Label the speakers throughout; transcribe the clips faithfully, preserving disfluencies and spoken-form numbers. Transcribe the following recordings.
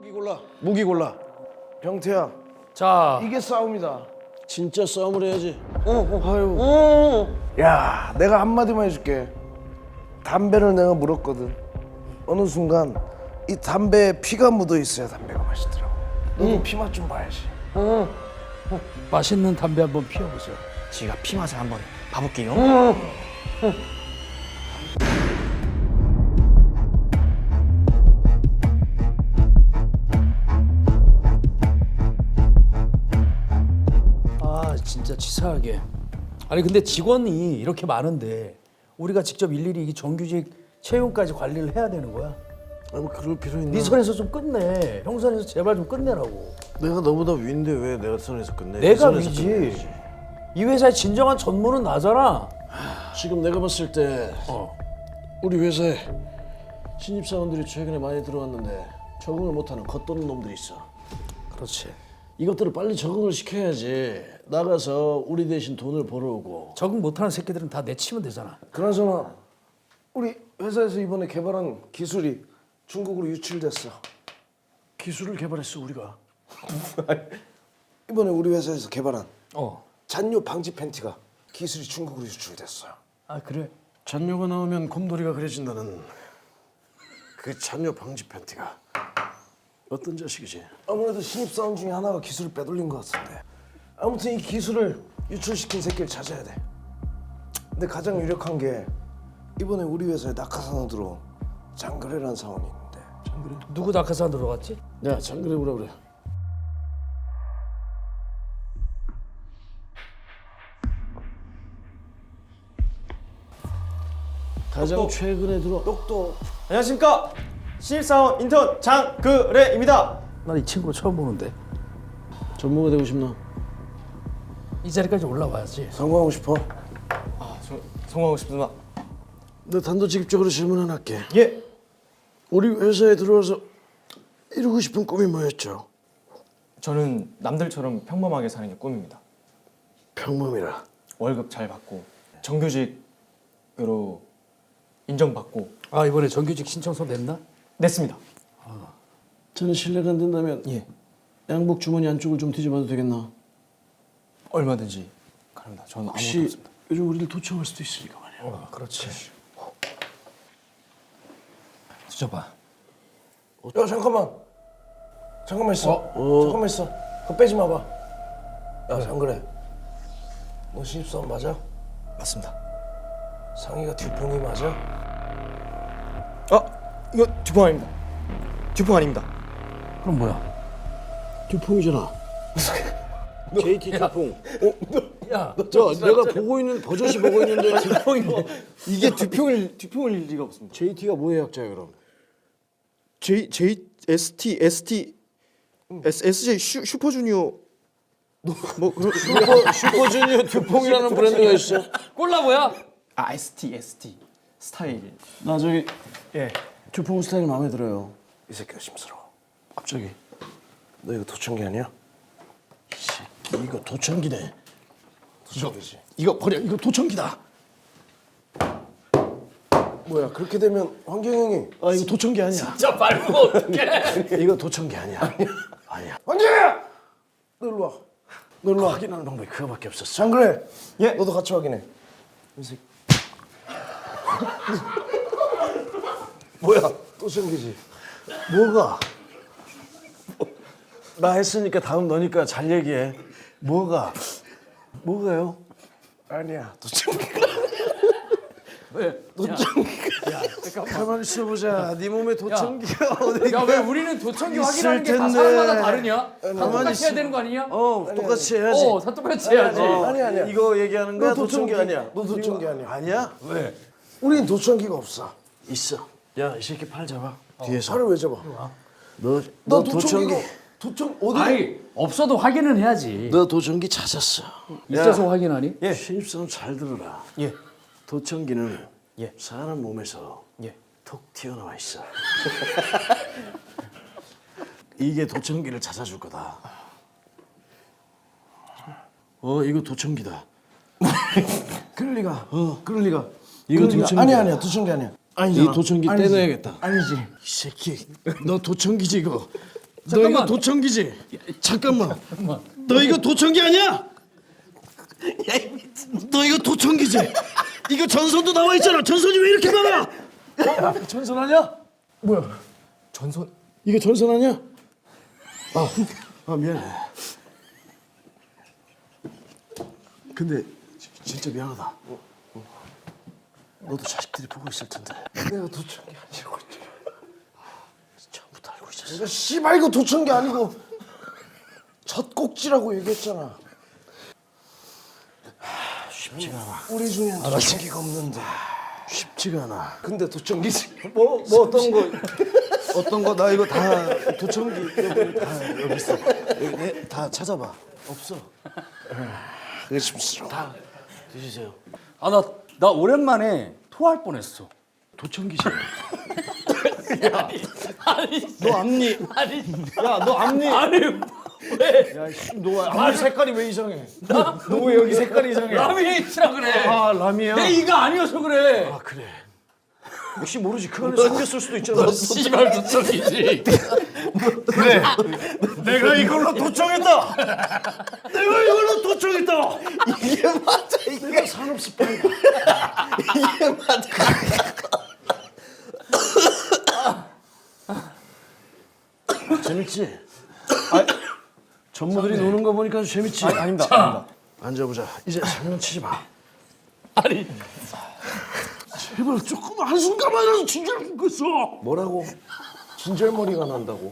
Speaker 1: 무기 골라. 무기 골라. 병태야.
Speaker 2: 자,
Speaker 1: 이게 싸움이다.
Speaker 3: 진짜 싸움을 해야지.
Speaker 1: 어, 어, 아유. 야, 내가 한마디만 해줄게. 담배를 내가 물었거든. 어느 순간 이 담배에 피가 묻어 있어야 담배가 맛있더라고. 너도 피맛 좀 봐야지.
Speaker 2: 맛있는 담배 한번 피워보세요.
Speaker 4: 제가 피 맛을 한번 봐볼게요.
Speaker 2: 아, 진짜 치사하게. 아니 근데 직원이 이렇게 많은데 우리가 직접 일일이 이 정규직 채용까지 관리를 해야 되는 거야?
Speaker 3: 아니 뭐 그럴 필요 있나?
Speaker 2: 네 선에서 좀 끝내. 형 선에서 제발 좀 끝내라고.
Speaker 3: 내가 너보다 위인데 왜 내가 선에서 끝내?
Speaker 2: 내가
Speaker 3: 네 선에서
Speaker 2: 위지.
Speaker 3: 끝내야지.
Speaker 2: 이 회사의 진정한 전문은 나잖아.
Speaker 3: 지금 내가 봤을 때
Speaker 2: 어.
Speaker 3: 우리 회사에 신입사원들이 최근에 많이 들어왔는데 적응을 못하는 겉도는 놈들이 있어.
Speaker 2: 그렇지.
Speaker 3: 이것들을 빨리 적응을 시켜야지. 나가서 우리 대신 돈을 벌어오고.
Speaker 2: 적응 못하는 새끼들은 다 내치면 되잖아.
Speaker 1: 그나저나 우리 회사에서 이번에 개발한 기술이 중국으로 유출됐어.
Speaker 3: 기술을 개발했어 우리가.
Speaker 1: 이번에 우리 회사에서 개발한
Speaker 2: 어.
Speaker 1: 잔뇨 방지 팬티가 기술이 중국으로 유출됐어요.
Speaker 2: 아 그래?
Speaker 3: 잔뇨가 나오면 곰돌이가 그려진다는 그 잔뇨 방지 팬티가 어떤 자식이지?
Speaker 1: 아무래도 신입사원 중에 하나가 기술을 빼돌린 것 같은데. 아무튼 이 기술을 유출시킨 새끼를 찾아야 돼. 근데 가장 유력한 게 이번에 우리 회사에 낙하산으로 들어온 장그래라는 사원이 있는데.
Speaker 3: 장그래?
Speaker 2: 누구 낙하산 들어갔지?
Speaker 3: 야 장그래 오라 그래. 가장 최근에 들어.
Speaker 1: 똑똑.
Speaker 4: 안녕하십니까? 신입사원 인턴 장그래입니다.
Speaker 2: 난 이 친구 처음 보는데.
Speaker 3: 전무가 되고 싶나?
Speaker 2: 이 자리까지 올라와야지.
Speaker 1: 성공하고 싶어?
Speaker 4: 아, 저 성공하고 싶습니다.
Speaker 3: 너 단도직입적으로 질문 하나 할게.
Speaker 4: 예.
Speaker 3: 우리 회사에 들어와서 이루고 싶은 꿈이 뭐였죠?
Speaker 4: 저는 남들처럼 평범하게 사는 게 꿈입니다.
Speaker 3: 평범이라.
Speaker 4: 월급 잘 받고 정규직으로 인정받고.
Speaker 2: 아 이번에 정규직 신청서 냈나?
Speaker 4: 냈습니다.
Speaker 3: 저는 실례가 안 된다면
Speaker 4: 예.
Speaker 3: 양복 주머니 안쪽을 좀 뒤져봐도 되겠나?
Speaker 4: 얼마든지 가능합니다. 저는 아무것도
Speaker 3: 혹시
Speaker 4: 없습니다.
Speaker 3: 요즘 우리를 도청할 수도 있으니까 말이야.
Speaker 2: 어, 그렇지. 뒤져봐.
Speaker 1: 야 잠깐만. 잠깐만 있어.
Speaker 3: 어.
Speaker 1: 잠깐만 있어. 그거 빼지 마봐. 야 장그래. 너 신입사원 맞아?
Speaker 4: 맞습니다.
Speaker 1: 상의가 듀퐁이 맞아?
Speaker 4: 아, 이거 듀퐁 아닙니다. 듀퐁 아닙니다.
Speaker 2: 그럼 뭐야?
Speaker 3: 듀퐁이잖아. 제이티 듀퐁.
Speaker 2: 야,
Speaker 3: 저 내가 보고 있는 버젓이 보고 있는데
Speaker 4: 듀퐁이 이게 듀퐁일 듀퐁일 리가 없습니다.
Speaker 3: 제이티가 뭐의 약자야 그럼?
Speaker 4: J J S T S T S SJ 슈 슈퍼주니어 뭐 그런
Speaker 3: 슈퍼 슈퍼주니어 듀퐁이라는 브랜드가 있어.
Speaker 2: 콜라보야?
Speaker 4: 아 S T S T 스타일.
Speaker 3: 나 저기
Speaker 4: 예.
Speaker 3: 듀퐁 스타일 마음에 들어요.
Speaker 1: 이 새끼 의심스러워.
Speaker 3: 갑자기.
Speaker 1: 너 이거 도청기 아니야?
Speaker 3: 이 새끼 이거 도청기네.
Speaker 1: 도청기지.
Speaker 3: 이거 버려. 이거 도청기다.
Speaker 1: 뭐야 그렇게 되면 환경영이
Speaker 3: 아 이거 도청기 아니야.
Speaker 2: 진짜 밟으면 어떡해?
Speaker 3: 이거 도청기 아니야. 아니야.
Speaker 1: 환경영아! 너 일로 와. 너 일로 와.
Speaker 3: 확인하는 방법이 그거밖에 없었어.
Speaker 1: 장그래.
Speaker 4: 예.
Speaker 1: 너도 같이 확인해. 이 새끼. 뭐야 도청기지.
Speaker 3: 뭐가? 나 했으니까 다음 너니까 잘 얘기해. 뭐가? 뭐가요?
Speaker 1: 아니야 도청기가.
Speaker 2: 왜?
Speaker 1: 도청기가.
Speaker 2: 야, 잠깐만.
Speaker 3: 가만히 있어보자. 네 몸에 도청기가 어디?
Speaker 2: 야, 왜 우리는 도청기
Speaker 3: 있을
Speaker 2: 확인하는 게 다
Speaker 3: 텐데.
Speaker 2: 사람마다 다르냐? 다
Speaker 3: 가만히
Speaker 2: 똑같이 해야
Speaker 3: 있어.
Speaker 2: 되는 거 아니냐?
Speaker 3: 어, 똑같이 해야지.
Speaker 2: 어, 다 똑같이 해야지.
Speaker 3: 어,
Speaker 1: 아니야, 아니야.
Speaker 3: 이거 얘기하는 거야?
Speaker 1: 너 도청기.
Speaker 3: 도청기 아니야.
Speaker 1: 너 도청기
Speaker 3: 이거-
Speaker 1: 아니야.
Speaker 3: 아니야?
Speaker 2: 왜?
Speaker 1: 우린 도청기가 없어.
Speaker 3: 있어. 야, 이 새끼 팔 잡아. 뒤에서.
Speaker 1: 팔을 왜 잡아?
Speaker 3: 너,
Speaker 1: 너
Speaker 3: 너 도청기.
Speaker 1: 도청기가 도청 어디?
Speaker 2: 아니, 없어도 확인은 해야지.
Speaker 3: 너 도청기 찾았어.
Speaker 2: 있어서 확인하니?
Speaker 3: 예. 신입사원 잘 들어라.
Speaker 4: 예.
Speaker 3: 도청기는
Speaker 4: 예.
Speaker 3: 사람 몸에서
Speaker 4: 예.
Speaker 3: 톡 튀어나와 있어. 이게 도청기를 찾아줄 거다. 어, 이거 도청기다.
Speaker 1: 그럴 리가. 어. 그럴 리가.
Speaker 3: 이거
Speaker 1: 그럴 리가.
Speaker 3: 도청기야.
Speaker 1: 아니야 아니야 도청기 아니야.
Speaker 3: 이 도청기
Speaker 1: 아니지.
Speaker 3: 떼놔야겠다.
Speaker 1: 아니지.
Speaker 3: 이 새끼, 너 도청기지 이거. 너 이거
Speaker 2: 잠깐만.
Speaker 3: 도청기지? 잠깐만. 너 이거 도청기 아니야? 너 이거 도청기지? 이거 전선도 나와 있잖아. 전선이 왜 이렇게 많아? 어? 전선 아니야?
Speaker 2: 뭐야?
Speaker 3: 전선? 이게 전선 아니야? 아, 아 미안해. 근데 지- 진짜 미안하다. 너도 자식들이 보고 있을 텐데.
Speaker 1: 내가 도청기 아니고.
Speaker 3: 처음부터 알고 있었어.
Speaker 1: 내가 씨발 이거 도청기 아니고 젖꼭지라고 얘기했잖아.
Speaker 3: 쉽지가 않아.
Speaker 1: 우리 중엔 도청기가 없는데.
Speaker 3: 쉽지가 않아.
Speaker 1: 근데 도청기지. 뭐, 뭐 어떤 거 어떤 거 나 이거 다 도청기 여기 다 여기 있어. 여기 내, 다 찾아봐.
Speaker 3: 없어.
Speaker 1: 의심스러워.
Speaker 3: 다 드시세요.
Speaker 2: 아 나 나 오랜만에 토할 뻔했어.
Speaker 3: 도청기지.
Speaker 2: 너 앞니 아니
Speaker 3: 야, 너 앞니.
Speaker 2: 아니 왜
Speaker 3: 야, 씨, 너 앞니 색깔이 왜 이상해? 너 왜 여기 색깔이 이상해?
Speaker 2: 라미에이트라 그래.
Speaker 3: 아, 라미야.
Speaker 2: 내 이가 아니어서 그래.
Speaker 3: 아, 그래. 혹시 모르지. 그 안에 숨겼을 수도 있잖아.
Speaker 2: 씨발 도청이지.
Speaker 3: 그래. 내가 이걸로 도청했다. 내가 이걸로 도청했다.
Speaker 1: 이게 맞아 이게.
Speaker 3: 내가 산업 스파이다.
Speaker 1: 이게 맞아.
Speaker 3: 재밌지? 아, 전무들이 노는 거 보니까 아주 재밌지? 아, 아닙니다. 아닙니다. 앉아보자. 이제 장난치지 마.
Speaker 2: 아니
Speaker 3: 제발 조금 한순간만이라도 진짜를 죽겠어.
Speaker 1: 뭐라고? 진절머리가 난다고.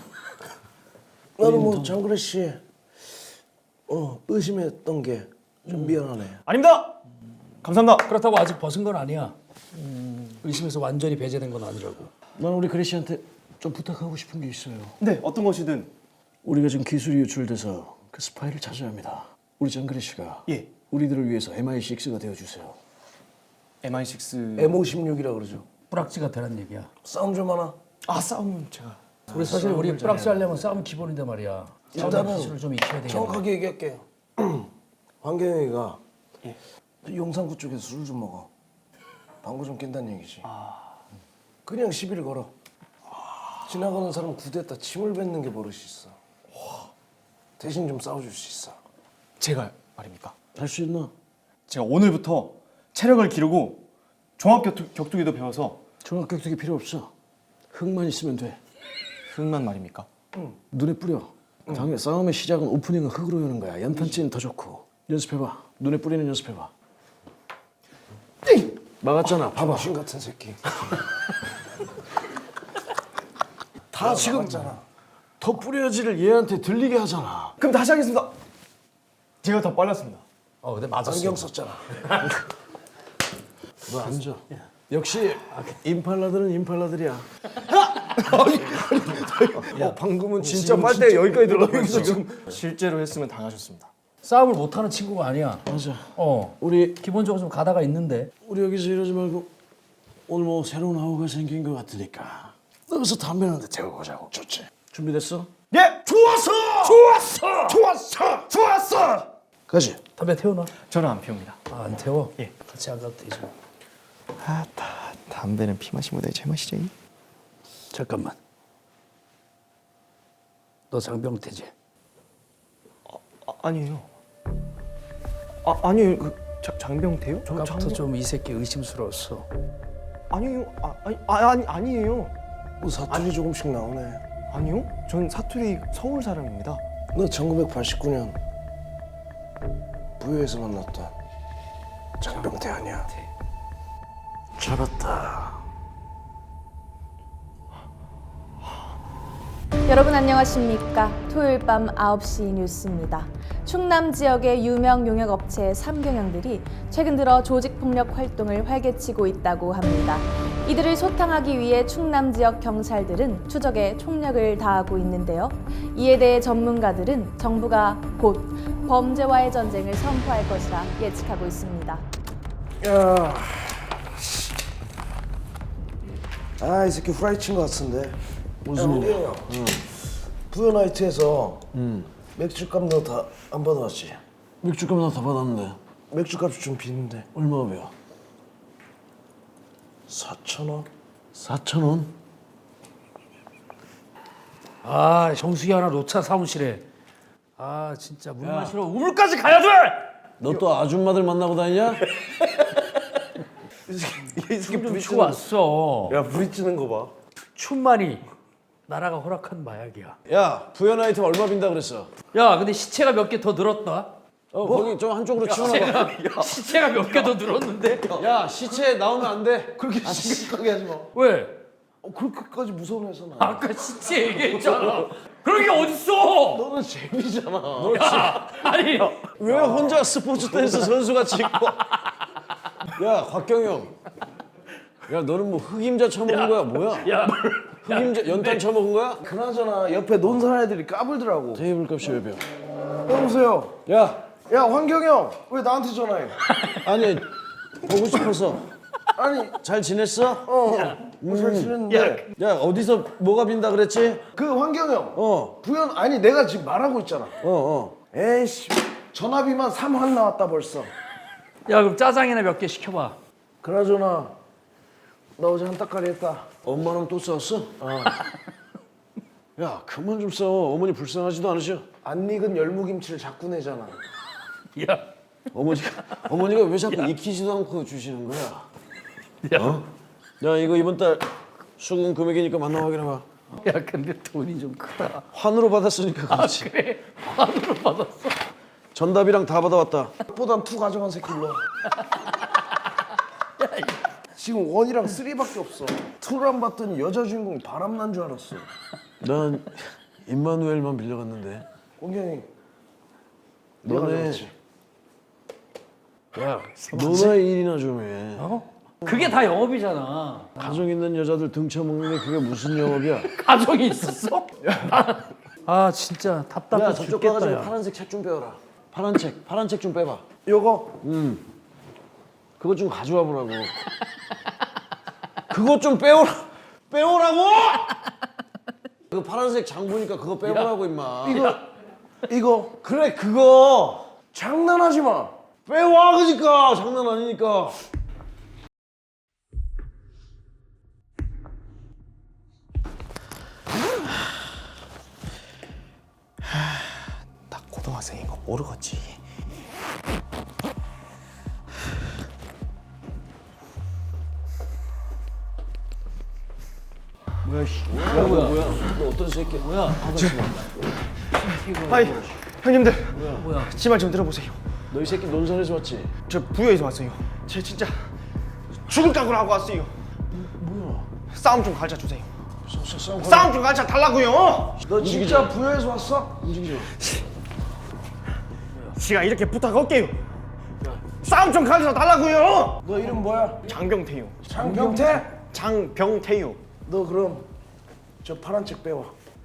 Speaker 1: 나는 뭐 장그래 씨, 어 의심했던 게 좀 미안하네.
Speaker 4: 아닙니다. 감사합니다.
Speaker 2: 그렇다고 아직 벗은 건 아니야. 의심에서 완전히 배제된 건 아니라고.
Speaker 3: 난 우리 그레 씨한테 좀 부탁하고 싶은 게 있어요.
Speaker 4: 네, 어떤 것이든.
Speaker 3: 우리가 지금 기술이 유출돼서 그 스파이를 찾아야 합니다. 우리 장그래 씨가
Speaker 4: 예.
Speaker 3: 우리들을 위해서 엠아이 식스가 되어주세요.
Speaker 4: 엠아이 식스.
Speaker 1: 엠 오십육이라 그러죠.
Speaker 2: 뿌락지가 되란 얘기야.
Speaker 1: 싸움 좀 하나.
Speaker 4: 아, 싸움은 제가.
Speaker 2: 우리 사실 우리 뿌락지 하려면 싸움 기본인데 말이야. 싸움
Speaker 1: 일단은
Speaker 2: 기술을 좀 익혀야 되겠네.
Speaker 1: 정확하게 얘기할게요. 황경영이가 용산구 쪽에서 술 좀 먹어. 방구 좀 낀다는 얘기지. 그냥 시비를 걸어. 지나가는 사람 구대다 침을 뱉는 게 버릇이 있어. 대신 좀 싸워줄 수 있어.
Speaker 4: 제가 말입니까?
Speaker 3: 할 수 있나?
Speaker 4: 제가 오늘부터 체력을 기르고 종합 격투, 격투기도 배워서
Speaker 3: 종합격투기 필요 없어. 흙만 있으면 돼.
Speaker 4: 흙만 말입니까?
Speaker 3: 눈에 뿌려. 당연히 싸움의 시작은 오프닝은 흙으로 여는 거야. 연탄찌는 더 좋고. 연습해봐. 눈에 뿌리는 연습해봐. 막았잖아. 봐봐.
Speaker 1: 신 같은 새끼.
Speaker 3: 다 지금 더 뿌려야지를 얘한테 들리게 하잖아.
Speaker 4: 그럼 다시 하겠습니다. 제가 더 빨랐습니다.
Speaker 2: 어 근데 맞았어.
Speaker 1: 안경 썼잖아.
Speaker 3: 너 앉아. 역시 임팔라들은 임팔라들이야.
Speaker 1: 어, 방금은 진짜 빨대 여기까지 들어가서 지금.
Speaker 4: 실제로 했으면 당하셨습니다.
Speaker 2: 싸움을 못하는 친구가 아니야.
Speaker 3: 맞아.
Speaker 2: 어
Speaker 3: 우리
Speaker 2: 기본적으로 좀 가다가 있는데.
Speaker 3: 우리 여기서 이러지 말고 오늘 뭐 새로운 하우가 생긴 것 같으니까 여기서 담배 한 대 태워보자고. 좋지. 준비됐어?
Speaker 4: 예!
Speaker 3: 좋았어! 좋았어! 좋았어! 좋았어! 가지.
Speaker 2: 담배 태우나?
Speaker 4: 저는 안 피웁니다.
Speaker 2: 아, 안 태워?
Speaker 4: 예.
Speaker 2: 같이 안 가도 되지.
Speaker 4: 아, 다, 담배는 피 마시보다 제맛이죠.
Speaker 2: 잠깐만. 너 장병태지?
Speaker 4: 아, 아니에요. 아, 아니에요. 그 자, 장병태요? 저
Speaker 2: 아까부터 좀 이 새끼 의심스러웠어.
Speaker 4: 아니에요. 아, 아니, 아, 아니 아니에요.
Speaker 1: 뭐 사투리 조금씩 나오네.
Speaker 4: 아니요. 전 사투리 서울 사람입니다.
Speaker 1: 너 천구백팔십구 년 부여에서 만났던 장병태 아니야?
Speaker 3: 잡았다.
Speaker 5: 여러분 안녕하십니까. 토요일 밤 아홉 시 뉴스입니다. 충남 지역의 유명 용역업체 삼경영들이 최근 들어 조직폭력 활동을 활개치고 있다고 합니다. 이들을 소탕하기 위해 충남 지역 경찰들은 추적에 총력을 다하고 있는데요. 이에 대해 전문가들은 정부가 곧 범죄와의 전쟁을 선포할 것이라 예측하고 있습니다.
Speaker 1: 야, 아 이 새끼 후라이 친 것 같은데.
Speaker 3: 무슨 일이야?
Speaker 1: 부여 나이트에서 맥주값 너 다 안 받아왔지?
Speaker 3: 맥주값 나 다 받았는데
Speaker 1: 맥주값이 좀 비는데
Speaker 3: 얼마 배요?
Speaker 1: 사천 원?
Speaker 3: 사천 원?
Speaker 2: 아 정수기 하나 놓자 사무실에. 아 진짜 물 마시러 우물까지 가야 돼.
Speaker 3: 너 또 아줌마들 만나고 다니냐?
Speaker 1: 이 새끼
Speaker 2: 이게
Speaker 1: 부리
Speaker 2: 부추
Speaker 1: 찌는
Speaker 2: 왔어.
Speaker 1: 야 부리찌는 거 봐.
Speaker 2: 춘만이 나라가 허락한 마약이야.
Speaker 3: 야 부연 아이템 얼마 빈다 그랬어?
Speaker 2: 야 근데 시체가 몇 개 더 늘었다.
Speaker 3: 어 거기 좀 한쪽으로 치워놔봐.
Speaker 2: 시체가 몇 개 더 늘었는데.
Speaker 3: 야 시체 나오면 안 돼.
Speaker 1: 그렇게 심각하게 하지 마.
Speaker 2: 왜?
Speaker 1: 어, 그렇게까지 무서운 회사는 아니야.
Speaker 2: 아까 시체 얘기했잖아. 그런 게 어딨어?
Speaker 1: 너는 재미잖아.
Speaker 2: 야, 아니
Speaker 3: 왜 혼자 스포츠 댄스 선수같이 입고? 야 곽경영. 야 너는 뭐 흑임자 처먹은 거야 뭐야?
Speaker 2: 야,
Speaker 3: 흑임자 연탄 처먹은 거야?
Speaker 1: 그나저나 옆에 논산 애들이 까불더라고.
Speaker 3: 테이블 값이 몇 병?
Speaker 1: 여보세요.
Speaker 3: 야
Speaker 1: 야 황경영 왜 나한테 전화해?
Speaker 3: 아니 보고 싶어서.
Speaker 1: 아니
Speaker 3: 잘 지냈어?
Speaker 1: 어. 뭐잘 지냈는데.
Speaker 3: 야 어디서 뭐가 빈다 그랬지?
Speaker 1: 그 황경영.
Speaker 3: 어.
Speaker 1: 부연 아니 내가 지금 말하고 있잖아.
Speaker 3: 어 어.
Speaker 1: 에이씨 전화비만 삼환 나왔다 벌써.
Speaker 2: 야 그럼 짜장이나 몇 개 시켜봐.
Speaker 1: 그나저나 나 어제 한따까리 했다.
Speaker 3: 엄마랑 또 싸웠어? 어. 야 그만 좀 싸워. 어머니 불쌍하지도 않으셔?
Speaker 1: 안 익은 열무김치를 자꾸 내잖아.
Speaker 2: 야,
Speaker 3: 어머니가 어머니가 왜 자꾸 익히지도 않고 주시는 거야?
Speaker 2: 야,
Speaker 3: 어? 야 이거 이번 달 수금 금액이니까 만나 확인해봐.
Speaker 2: 야 근데 돈이 좀 크다.
Speaker 3: 환으로 받았으니까 그렇지.
Speaker 2: 그래, 환으로 받았어.
Speaker 3: 전답이랑 다 받아왔다.
Speaker 1: 보단 투 가져간 새끼 일로 와. 지금 원이랑 쓰리밖에 없어. 투를 안 봤더니 여자 주인공이 바람난 줄 알았어.
Speaker 3: 난 임마누엘만 빌려갔는데.
Speaker 1: 공경이 내가
Speaker 3: 너네
Speaker 1: 그렇지.
Speaker 3: 야 너나 일이나 좀 해.
Speaker 2: 어? 그게 다 영업이잖아.
Speaker 3: 가정 있는 여자들 등쳐먹는 게 그게 무슨 영업이야?
Speaker 2: 가정이 있었어? 아 진짜 답답해
Speaker 3: 야 저쪽
Speaker 2: 죽겠다.
Speaker 3: 가가지고
Speaker 2: 야.
Speaker 3: 파란색 책 좀 빼와라. 파란 책, 파란 책 좀 빼봐.
Speaker 1: 요거
Speaker 3: 그거 좀 가져와 보라고. 그거 좀 빼오라. 빼오라고! 그 파란색 장 보니까 그거 빼오라고 임마.
Speaker 1: 이거 이거
Speaker 3: 그래 그거
Speaker 1: 장난하지 마.
Speaker 3: 빼와 그니까 장난 아니니까.
Speaker 4: 나 고등학생인 거 모르겠지.
Speaker 3: 뭐야 씨. 야 뭐야 뭐야. 너 어떤 새끼야? 뭐야?
Speaker 4: 아이 형님들
Speaker 2: 뭐야?
Speaker 4: 제 말 좀 들어보세요.
Speaker 3: 너 이 새끼 논산에서 왔지?
Speaker 4: 저 부여에서 왔어요. 제 진짜 죽을 각오로 하고 왔어요.
Speaker 3: 뭐야?
Speaker 4: 싸움 좀 가르쳐 주세요.
Speaker 3: 싸, 싸, 싸움
Speaker 4: 싸움 좀 가르쳐 달라고요.
Speaker 1: 너 진짜 부여에서 왔어?
Speaker 3: 움직이지 마.
Speaker 4: 제가 이렇게 부탁할게요. 싸움 좀 가르쳐 달라고요.
Speaker 1: 너 이름 뭐야?
Speaker 4: 장병태요.
Speaker 1: 장병태?
Speaker 4: 장병태요.
Speaker 1: 너 그럼 저 파란 책 빼와.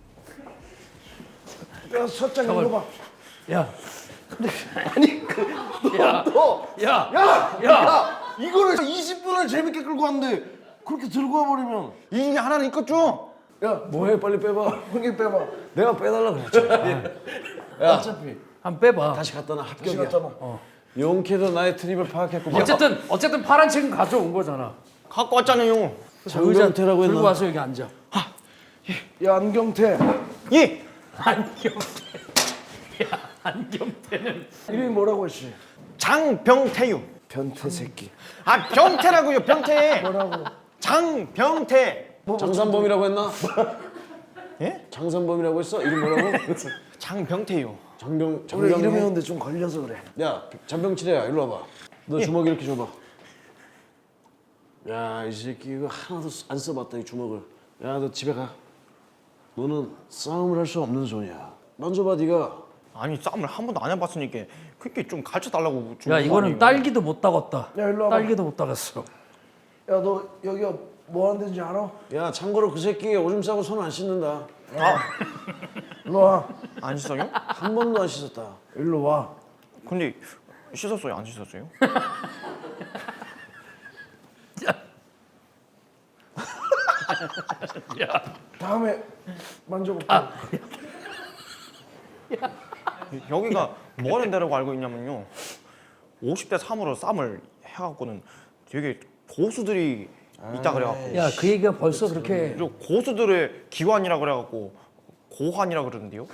Speaker 1: 야 서장
Speaker 2: 잠깐만.
Speaker 1: 읽어봐.
Speaker 2: 야,
Speaker 1: 아니 그
Speaker 2: 야,
Speaker 1: 너
Speaker 2: 야,
Speaker 1: 야!
Speaker 2: 야.
Speaker 1: 야! 이거를 이십 분을 재밌게 끌고 왔는데 그렇게 들고 와버리면
Speaker 4: 이 중에 하나는 있겠죠?
Speaker 1: 야
Speaker 3: 뭐해 빨리 빼봐.
Speaker 1: 형님 빼봐.
Speaker 3: 내가 빼달라 그랬잖아. 야
Speaker 1: 어차피
Speaker 2: 한번 빼봐.
Speaker 3: 다시 갖다 놔
Speaker 1: 다시
Speaker 3: 합격이야.
Speaker 1: 갔잖아.
Speaker 3: 용케도 나의 트립을 파악했고.
Speaker 2: 어쨌든 어쨌든 파란 책은 가져온 거잖아.
Speaker 4: 갖고 왔잖아요.
Speaker 2: 저 의자
Speaker 3: 장병태라고 했나?
Speaker 2: 들고 와서 여기 앉아.
Speaker 1: 야 안경태
Speaker 4: 예.
Speaker 2: 안경태. 야, 안경태는
Speaker 1: 이름이 뭐라고 했지?
Speaker 4: 장병태요.
Speaker 1: 변태 새끼.
Speaker 4: 아 병태라고요. 병태.
Speaker 1: 뭐라고?
Speaker 4: 장병태.
Speaker 3: 장산범이라고 했나?
Speaker 4: 예?
Speaker 3: 장산범이라고 했어? 이름 뭐라고?
Speaker 4: 장병태요.
Speaker 3: 장병
Speaker 1: 우리
Speaker 3: 장병.
Speaker 1: 이름 외우는데 좀 걸려서 그래.
Speaker 3: 야 장병치레야 일로 와봐. 너 주먹 이렇게 줘봐. 야 이 새끼 이거 하나도 안 써봤다 이 주먹을. 야 너 집에 가. 너는 싸움을 할 수 없는 손이야. 만져봐 네가.
Speaker 4: 아니 싸움을 한 번도 안 해봤으니까 그렇게 좀 가르쳐 달라고.
Speaker 2: 야 이거는 딸기도 못 따갔다.
Speaker 1: 야, 일로 와봐.
Speaker 2: 딸기도 못 따갔어.
Speaker 1: 야 너 여기가 뭐 하는 데인지 알아?
Speaker 3: 야 참고로 그 새끼 오줌 싸고 손 안 씻는다.
Speaker 1: 일로 와.
Speaker 4: 안 씻어요?
Speaker 3: 한 번도 안 씻었다.
Speaker 1: 일로 와.
Speaker 4: 근데 씻었어요? 안 씻었어요?
Speaker 1: 다음에 만져볼게.
Speaker 4: 여기가 뭐 하는 데라고 알고 있냐면요, 오십 대 삼으로 싸움을 해갖고는 되게 고수들이 있다 그래갖고
Speaker 2: 야 그 얘기가 벌써 그렇게
Speaker 4: 그리고 고수들의 기관이라 그래갖고 고환이라 그러는데요.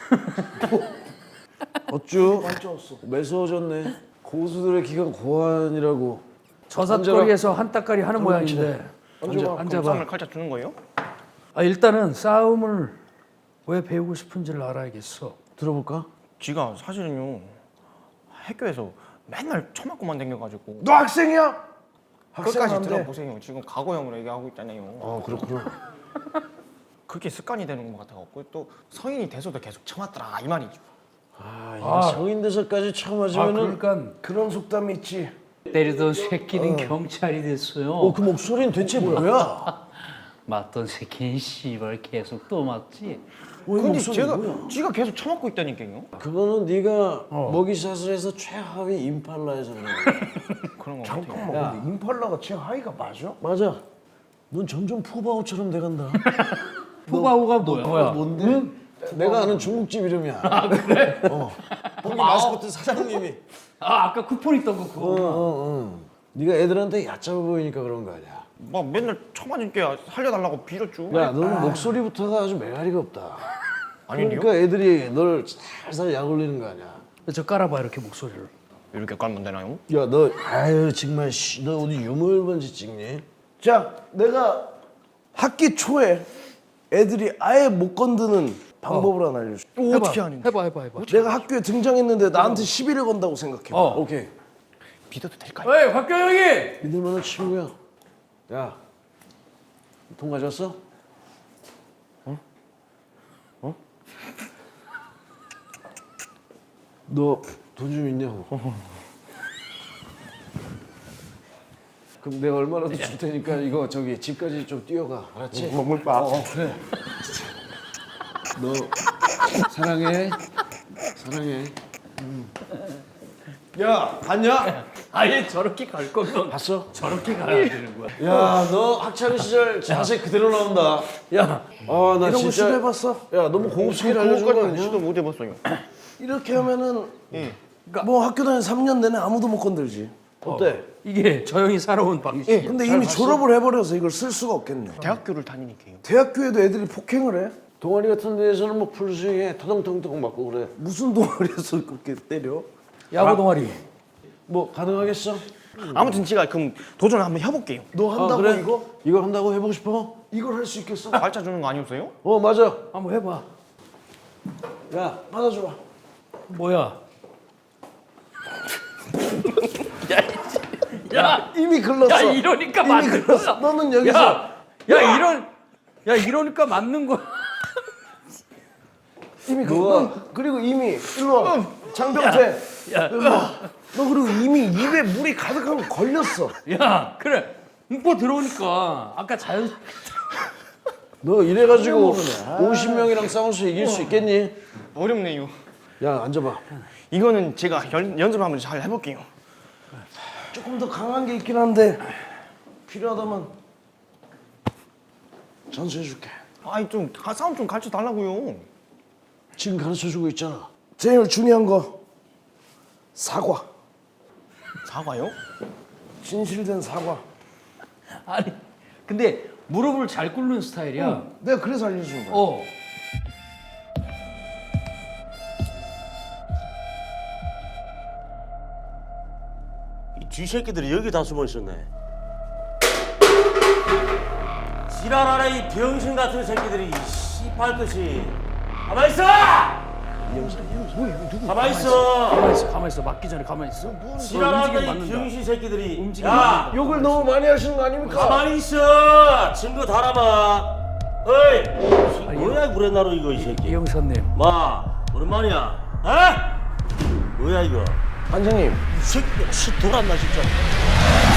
Speaker 3: 어쭈?
Speaker 1: 맞췄어.
Speaker 3: 매서워졌네. 고수들의 기가 고환이라고.
Speaker 2: 저삿거리에서 한따까리 하는 모양인데.
Speaker 1: 앉아봐.
Speaker 2: 앉아봐.
Speaker 4: 쌈을 칼자 주는 거예요?
Speaker 2: 아, 일단은 싸움을 왜 배우고 싶은지를 알아야겠어.
Speaker 3: 들어볼까?
Speaker 4: 지가 사실은요 학교에서 맨날 처맞고만 댕겨가지고
Speaker 1: 너 학생이야? 학생
Speaker 4: 끝까지
Speaker 1: 안 돼.
Speaker 4: 들어보세요. 지금 과거형으로 얘기하고 있잖아요.
Speaker 3: 어 그렇구나.
Speaker 4: 그게 습관이 되는 것 같아갖고 또 성인이 돼서도 계속 참았더라 이 말이죠.
Speaker 3: 아, 이게
Speaker 2: 아.
Speaker 3: 성인 돼서까지 처음
Speaker 2: 아,
Speaker 3: 하지면은.
Speaker 2: 그러니까
Speaker 1: 그런 속담이 있지.
Speaker 6: 때리던 새끼는 경찰이 됐어요.
Speaker 3: 어, 그 목소리는 대체 뭐야?
Speaker 6: 맞던 새끼는 씨발 계속 또 맞지.
Speaker 3: 왜
Speaker 4: 근데
Speaker 3: 목소리
Speaker 4: 제가
Speaker 3: 뭐야?
Speaker 4: 지가 계속 처맞고 있다니까요.
Speaker 3: 그거는 네가 먹이샷을 해서 최하위 임팔라에서 그런 거야.
Speaker 4: 그런 거 같아요.
Speaker 1: 잠깐만, 근데 임팔라가 제 하이가 맞아?
Speaker 3: 맞아. 넌 점점 푸바오처럼 돼간다.
Speaker 6: 푸바오가 뭐야?
Speaker 2: 뭐야?
Speaker 3: 뭔데? 내가 아는 중국집 이름이야. 아 그래? 어. 거기 마스코트 사장님이.
Speaker 6: 아 아까 쿠폰 있던 거
Speaker 3: 어,
Speaker 6: 그거.
Speaker 3: 어, 어. 네가 애들한테 얕잡아 보이니까 그런 거 아니야.
Speaker 4: 막 맨날 처맞을게 살려달라고 빌었죠.
Speaker 3: 야, 너는 목소리부터가 아주 매가리가 없다.
Speaker 4: 아니요.
Speaker 3: 그러니까 애들이 널 살살 약 올리는 거 아니야.
Speaker 2: 저 깔아봐 이렇게 목소리를.
Speaker 4: 이렇게 깔면 되나요?
Speaker 3: 야, 너 아유 정말 씨, 너 어디 유물 번지 찍니?
Speaker 1: 자, 내가 학기 초에 애들이 아예 못 건드는 방법을 하나 알려줄게.
Speaker 4: 어, 어떻게 하는데?
Speaker 2: 해봐 해봐 해봐.
Speaker 1: 내가 학교에 등장했는데 나한테 시비를 건다고 생각해.
Speaker 2: 어.
Speaker 3: 오케이.
Speaker 4: 믿어도 될까요?
Speaker 2: 에이 곽경영이.
Speaker 3: 믿을 만한 친구야. 야, 돈 가져왔어? 어? 어? 너 돈 좀 있냐고. 그럼 내가 얼마라도 줄 테니까 이거 저기 집까지 좀 뛰어가. 알았지?
Speaker 1: 먹물밥.
Speaker 3: 어, 그래. 너 사랑해. 사랑해. 야, 봤냐?
Speaker 6: 아예 저렇게 갈 거면
Speaker 3: 봤어?
Speaker 6: 저렇게 가야 되는 거야.
Speaker 3: 야, 너 학창 시절 자세 그대로 나온다.
Speaker 2: 야,
Speaker 3: 아, 나
Speaker 1: 이런 거
Speaker 3: 진짜.
Speaker 1: 시도해봤어?
Speaker 3: 야, 너무 고급스럽게 알려준 거
Speaker 4: 그거까지는
Speaker 3: 아니야?
Speaker 4: 시도 못 해봤어요.
Speaker 1: 이렇게 하면은
Speaker 4: 예.
Speaker 1: 뭐 학교 다닌 삼 년 내내 아무도 못 건들지.
Speaker 3: 어때?
Speaker 2: 이게 저 형이 살아온 방식.
Speaker 1: 근데 이미 졸업을 해버려서 이걸 쓸 수가 없겠네.
Speaker 4: 대학교를 다니니까요.
Speaker 1: 대학교에도 애들이 폭행을 해?
Speaker 3: 동아리 같은 데에서는 뭐 풀스윙에 터덩터덩 맞고 그래.
Speaker 1: 무슨 동아리에서 그렇게 때려?
Speaker 2: 야구 동아리.
Speaker 3: 뭐 가능하겠어?
Speaker 4: 아무튼 제가 그럼 도전을 한번 해볼게요.
Speaker 1: 너
Speaker 3: 아,
Speaker 1: 한다고
Speaker 3: 그래?
Speaker 1: 이거?
Speaker 3: 이거 한다고 해보고 싶어?
Speaker 1: 이걸 할 수 있겠어?
Speaker 4: 발자 주는 거 아니었어요?
Speaker 3: 어, 맞아.
Speaker 2: 한번 해봐.
Speaker 3: 야,
Speaker 1: 받아줘봐.
Speaker 2: 뭐야?
Speaker 1: 야, 이미 글렀어.
Speaker 2: 야 이러니까
Speaker 1: 이미
Speaker 2: 맞는
Speaker 1: 글렀어.
Speaker 2: 거야.
Speaker 1: 너는 여기서
Speaker 2: 야, 야 이런, 야 이러니까 맞는 거야.
Speaker 1: 이미 그, 너, 그리고 이미 일로 와. 장병태.
Speaker 2: 야,
Speaker 1: 일로 와. 너 그리고 이미 입에 물이 가득한 거 걸렸어.
Speaker 2: 야 그래. 음포 들어오니까 아까 자연.
Speaker 3: 너 이래가지고
Speaker 1: 모르네.
Speaker 3: 오십 명이랑 싸워서 이길 수 있겠니?
Speaker 4: 어렵네요.
Speaker 3: 야, 앉아봐.
Speaker 4: 이거는 제가 연, 연습을 한번 잘 해볼게요.
Speaker 1: 조금 더 강한 게 있긴 한데 필요하다면 전수해줄게.
Speaker 4: 아이 좀 가- 싸움 좀 가르쳐 달라고요.
Speaker 3: 지금 가르쳐주고 있잖아.
Speaker 1: 제일 중요한 거 사과.
Speaker 4: 사과요?
Speaker 1: 진실된 사과.
Speaker 2: 아니 근데 무릎을 잘 꿇는 스타일이야.
Speaker 1: 내가 그래서 알려주는 거야.
Speaker 2: 어.
Speaker 7: 이 쥐새끼들이 여기 다 숨어 있었네. 지랄하라 이 병신 같은 새끼들이 이 씨발 것이. 가만 있어! 가만 있어!
Speaker 2: 가만 있어, 가만 있어. 맞기 전에 가만 있어.
Speaker 7: 지랄하라
Speaker 2: 움직이면
Speaker 7: 이
Speaker 2: 맞는다.
Speaker 7: 병신 새끼들이.
Speaker 2: 움직이면
Speaker 7: 야,
Speaker 1: 욕을 너무 많이 하시는 거 아닙니까?
Speaker 7: 가만히 있어! 증거 달아봐. 어이, 뭐야 구레나루 이거 이 새끼.
Speaker 2: 이영선님.
Speaker 7: 마, 오랜만이야. 어? 뭐야 이거?
Speaker 1: 반장님.
Speaker 7: 이 새끼 씨 돌았나 진짜.